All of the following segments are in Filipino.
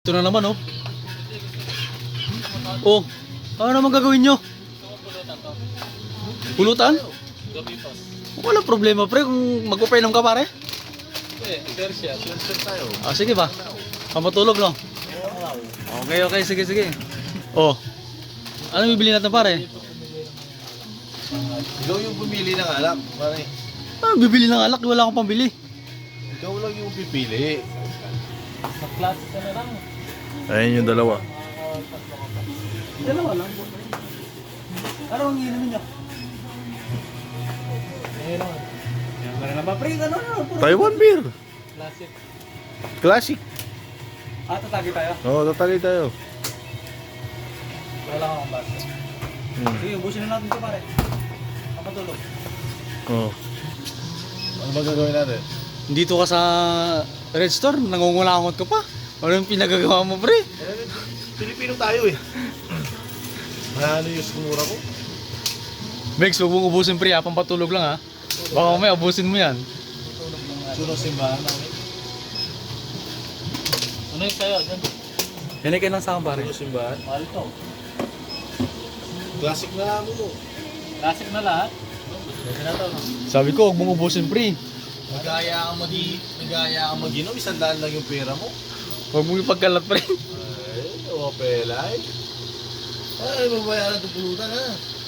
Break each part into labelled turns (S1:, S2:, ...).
S1: Ito na naman, oh. Oh, ano naman gagawin nyo? Pulutan? Wala problema, pre, kung magpapainom ka, pare.
S2: Sir tayo.
S1: Ah, sige ba? Pamatulog, no? Okay, okay, sige, sige. Oh, ano bibili natin, pare?
S2: Ikaw yung pumili ng alak, pare.
S1: Ah, bibili ng alak, wala akong pambili.
S2: Ikaw lang yung pipili.
S3: Mag-class ka na lang.
S2: Ayun yung dalawa.
S1: Dalawa lang. Ano ang inumin nyo?
S3: Ayun lang.
S1: Yan, meron na ba, pre? Ano, ano?
S2: Taiwan beer.
S3: Classic.
S2: Classic.
S1: Ah, tatagi tayo.
S2: Oo, tatagay tayo.
S3: Wala akong basa.
S1: Sige, ubusin na natin ito, pare. Pamatulog.
S2: Oo. Ano ba gagawin natin?
S1: Dito ka sa Red Store, nangungulangot ka pa. Ano yung pinagagawa mo, pre?
S2: Pilipino tayo eh. Ano yung sumura ko?
S1: Bex, huwag mong ubusin, pre, ha? Pampatulog lang, ha? Baka mamaya ubusin mo yan.
S2: Suno simbahan namin.
S3: Ano yung sa'yo? Diyan.
S1: Yan ay kailang sa akin, pare.
S2: Suno simbahan.
S3: Mahal to.
S2: Classic na namin mo.
S3: Classic na lahat. Kasi na to. No?
S1: Sabi ko, huwag mong ubusin, pre.
S2: Nagaya ka mag-inom, 100 lang yung pera mo.
S1: Huwag mong ipagkalat, pre.
S2: Ay, opelay. Ay, mabayaran itong pulutan ha.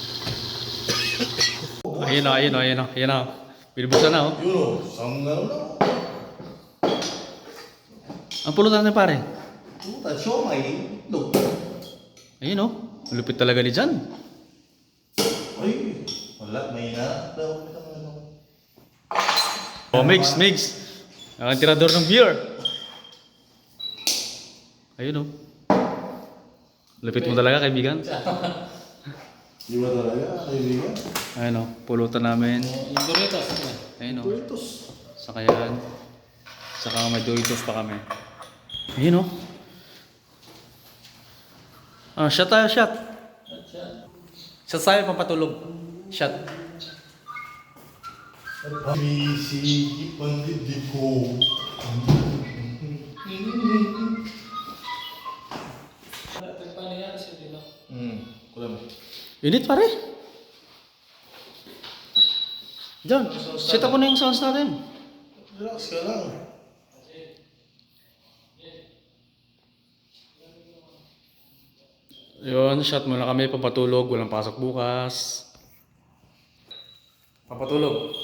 S1: Ayun na, ayun na, ayun na, ayun na. Binibusan na, oh.
S2: Yun o, sanggal na.
S1: Ang pulutan na, pare.
S2: Pulutan, siomay, itlog.
S1: Ayun, oh. Lupit talaga ni Jan.
S2: Ay, wala, may na.
S1: Oh, mix, mix. Ang tirador ng beer. Ayun, oh. Lupit mo talaga, kaibigan.
S2: Di ba talaga, kaibigan?
S1: Ayun, oh. Pulutan namin.
S3: Yung Doritos.
S1: Ayun, oh.
S2: Doritos.
S1: Saka yan. Saka may Doritos pa kami. Ayun, oh. Ah, shot tayo, shot. Shot tayo, pampatulog. Shot.
S2: Pamisigi pandibdig ko.
S3: Paano yan? Sige lang.
S2: Kulam.
S1: Init, pare. John, set up mo na yung sounds natin.
S2: Relax ka lang.
S1: Yun, shot muna kami, pampatulog. Walang pasok bukas. Pampatulog.